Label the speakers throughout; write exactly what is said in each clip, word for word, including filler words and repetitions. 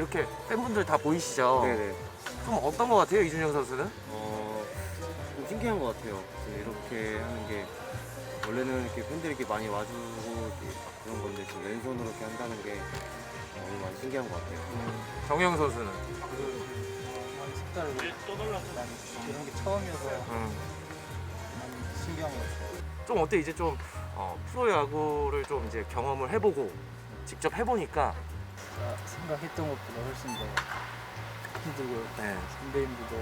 Speaker 1: 이렇게 팬분들 다 보이시죠?
Speaker 2: 네네.
Speaker 1: 좀 어떤 것 같아요, 이준영 선수는?
Speaker 2: 어, 좀 신기한 것 같아요. 이렇게 하는 게 원래는 이렇게 팬들이 이렇게 많이 와주고 이렇게 막 그런 건데 지금 왼손으로 이렇게 한다는 게 너무 많이 신기한 것 같아요.
Speaker 1: 음, 정영 선수는?
Speaker 3: 많이 색다르고 많이 이런 게 처음이어서
Speaker 1: 음.
Speaker 3: 많이 신기한 것 같아요.
Speaker 1: 좀 어때 이제 좀 어, 프로야구를 좀 이제 경험을 해보고 직접 해보니까
Speaker 3: 제가 생각했던 것보다 훨씬 더 힘들고
Speaker 1: 네.
Speaker 3: 선배님들도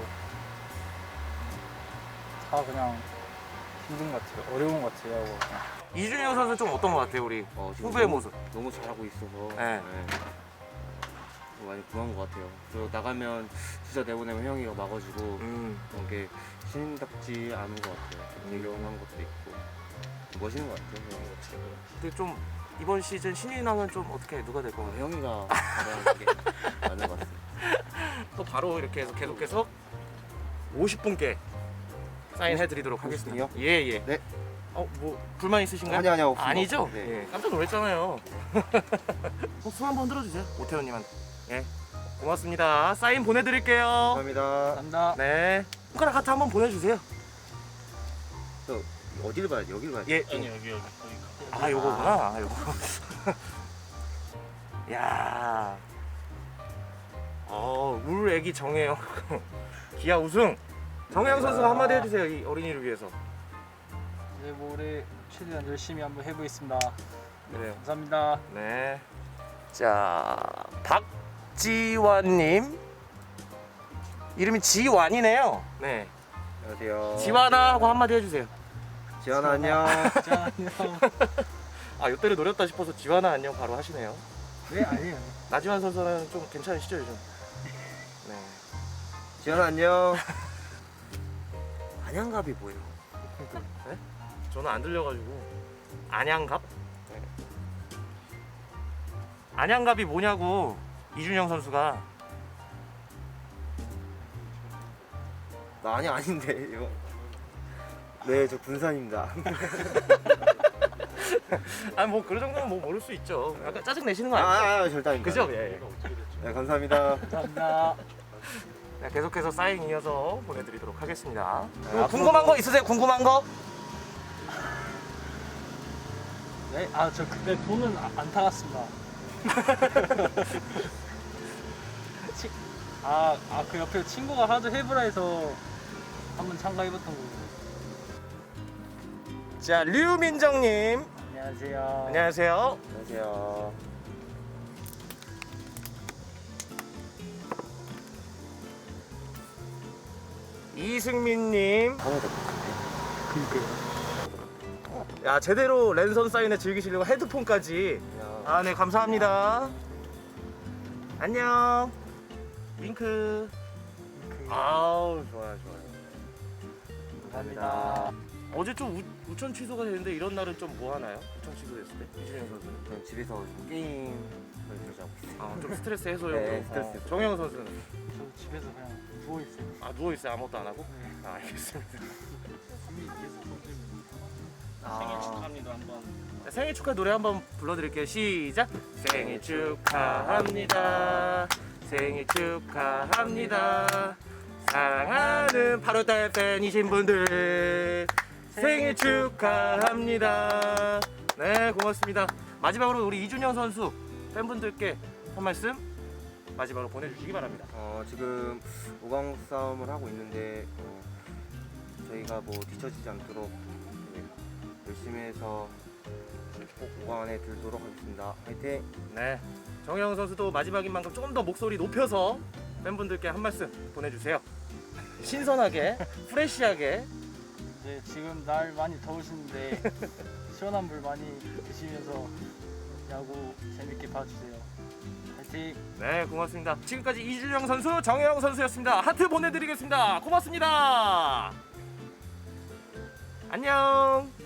Speaker 3: 다 그냥 힘든 것 같아요. 어려운 것 같아요. 그냥.
Speaker 1: 이준영 선수 좀 어떤 것 같아요, 우리
Speaker 2: 어, 지금
Speaker 1: 후배의
Speaker 2: 너무-
Speaker 1: 모습?
Speaker 2: 너무 잘하고 있어서
Speaker 1: 네.
Speaker 2: 어, 많이 고마운 것 같아요. 저 나가면 진짜 내보내면 형이가 막아주고
Speaker 1: 음.
Speaker 2: 그런 게 신인답지 않은 것 같아요. 존경한 것도 있고 멋있는 것 같아요. 형이.
Speaker 1: 근데 좀 이번 시즌 신인왕은 좀 어떻게 누가 될 것
Speaker 2: 어,
Speaker 1: 같아요?
Speaker 2: 형이가 잘하는 게 맞는 것 같습니다.
Speaker 1: 또 바로 이렇게 해서 계속해서 오십 분께 사인해드리도록
Speaker 2: 오십
Speaker 1: 하겠습니다.
Speaker 2: 분이요?
Speaker 1: 예예.
Speaker 2: 네.
Speaker 1: 어, 뭐 불만 있으신가요?
Speaker 2: 아니, 아니요, 없습니다.
Speaker 1: 아니죠?
Speaker 2: 네.
Speaker 1: 예, 깜짝 놀랐잖아요. 어, 손 한번 들어주세요, 오태훈님한테. 예, 고맙습니다. 사인 보내드릴게요.
Speaker 2: 감사합니다.
Speaker 3: 감사합니다.
Speaker 1: 네, 손가락 하트 한번 보내주세요.
Speaker 2: 저 어디를 봐야 돼? 여기를 봐야 돼?
Speaker 1: 예.
Speaker 3: 아니 여기 여기
Speaker 1: 아, 요거구나. 아, 요거. 야. 어, 울 애기 정혜영. 기아 우승. 정혜영 선수가 한마디 해주세요, 이 어린이를 위해서.
Speaker 3: 이제 뭐 올해 최대한 열심히 한번 해보겠습니다.
Speaker 1: 그래요.
Speaker 3: 감사합니다.
Speaker 1: 네. 자, 박지환님. 이름이 지완이네요. 네.
Speaker 2: 안녕하세요.
Speaker 1: 지완아 하고 한마디 해주세요.
Speaker 2: 지환아 안녕.
Speaker 3: 자, 안녕.
Speaker 1: 아, 요때를 노렸다 싶어서 지완아 안녕 바로 하시네요.
Speaker 3: 네 아니에요.
Speaker 1: 나지완 선수는 좀 괜찮으시죠, 요즘? 네.
Speaker 2: 지환아 안녕. 안양갑이 뭐예요?
Speaker 1: 네? 저는 안 들려가지고. 안양갑? 네. 안양갑이 뭐냐고 이준영 선수가.
Speaker 2: 나 아니 아닌데 이거. 네, 저 군산입니다.
Speaker 1: 아니 뭐 그런 정도는 뭐 모를 수 있죠. 약간 짜증 내시는 거
Speaker 2: 아,
Speaker 1: 아니에요?
Speaker 2: 아, 아 절대 아닙니다.
Speaker 1: 그죠? 예. 예.
Speaker 2: 네, 감사합니다.
Speaker 3: 감사합니다.
Speaker 1: 네, 계속해서 사인 이어서 보내드리도록 하겠습니다.
Speaker 2: 네,
Speaker 1: 그리고
Speaker 2: 앞으로도-
Speaker 1: 궁금한 거 있으세요? 궁금한 거?
Speaker 3: 네, 아 저 그때 돈은 아- 안 타갔습니다. 치- 아, 아, 그 옆에 친구가 하도 해보라 해서 한번 참가해봤던 거고.
Speaker 1: 자, 류민정님.
Speaker 3: 안녕하세요.
Speaker 1: 안녕하세요.
Speaker 2: 안녕하세요.
Speaker 1: 이승민님.
Speaker 2: 하나 더 같은데.
Speaker 3: 그니까요.
Speaker 1: 야, 제대로 랜선 사인회 즐기시려고 헤드폰까지. 아, 네, 감사합니다. 안녕. 윙크. 아우, 좋아요, 좋아요.
Speaker 3: 감사합니다.
Speaker 1: 어제 좀 우, 우천 취소가 됐는데 이런 날은 좀 뭐 하나요? 우천 취소됐을 때? 이준영 선수는?
Speaker 2: 그냥 집에서 좀 게임을 들자고 있어요.
Speaker 1: 아, 좀 스트레스 해소용으로.
Speaker 2: 네, 스트레스
Speaker 1: 어,
Speaker 2: 해소.
Speaker 1: 정영 선수는?
Speaker 3: 저 집에서 그냥 누워있어요.
Speaker 1: 아, 누워있어요? 아무것도 안 하고?
Speaker 3: 네.
Speaker 1: 아, 알겠습니다.
Speaker 3: 생일 축하합니다 한번.
Speaker 1: 자, 생일 축하 노래 한번 불러드릴게요. 시작. 생일 축하합니다. 생일 축하합니다. 사랑하는 팔월달 팬이신 분들 생일 축하합니다. 네, 고맙습니다. 마지막으로 우리 이준영 선수 팬분들께 한 말씀 마지막으로 보내주시기 바랍니다.
Speaker 2: 어, 지금 오 강 싸움을 하고 있는데 어, 저희가 뭐 뒤처지지 않도록 네, 열심히 해서 꼭 오 강 안에 들도록 하겠습니다. 화이팅!
Speaker 1: 네, 정영 선수도 마지막인 만큼 조금 더 목소리 높여서 팬분들께 한 말씀 보내주세요. 신선하게, 프레시하게.
Speaker 3: 네, 지금 날 많이 더우시는데 시원한 물 많이 드시면서 야구 재밌게 봐주세요. 화이팅!
Speaker 1: 네, 고맙습니다. 지금까지 이준영 선수, 정영 선수였습니다. 하트 보내드리겠습니다. 고맙습니다. 안녕.